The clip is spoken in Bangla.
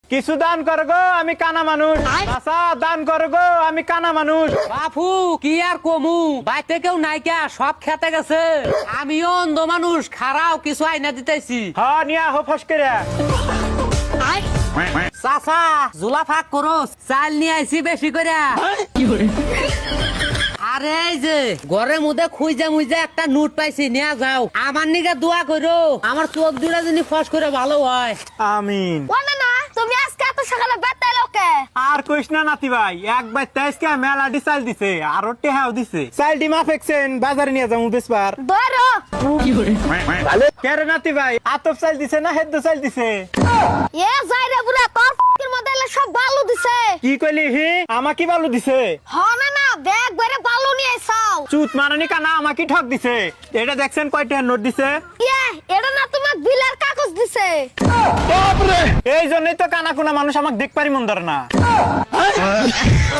কিছু দান কর গো, আমি কানা মানুষ। চাচা দান কর গো, আমি কানা মানুষ। বাপু কি আর কমু, বাইতে কেউ নাইকা, সব খেতে গেছে। আমিও অন্ধ মানুষ, খারাও কিছু আইনা দিতেছি। হ নিয়া হো ফসকেরা। চাচা জুলা ফাঁক করো, চাল নিয়ে আইছি বেশি করে। আরে এই যে ঘরের মধ্যে খুঁজে মুইজে একটা নোট পাইছি, নিয়ে যাও। আমার নিকে দোয়া করো, আমার চোখ দুটা যিনি ফস করে ভালো হয়। আমিন। ওনা না তুমি আজকে এত সকালে বেতাই লোকে আর কইস না নাতি ভাই, একবার তেইশকে মেলাডি চাল দিছে, আর টেহাও দিছে। চালটি মাফেকছেন, বাজারে নিয়ে যাবো বেসবার। ধরো কেরে নাতি ভাই, আতপ চাল দিছে না হেদ্দ চাল দিছে? এ যাই রে বুড়া, তোর ফকির মধ্যে এলে সব বালু দিছে। কি কইলি হি? আমাকে বালু দিছে? হ না না, ব্যাগ ভরে বালু নিয়ে আইছাও। চুত মারানি কানা আমাকে ঠক দিছে। এটা দেখছেন কয়টা নোট দিছে? ইয়ে, এটা না তোমাক বিলের কাগজ দিছে। এই জন্যই তো কানা কোনা মানুষ আমাকে দেখ পারি মন ধরে না।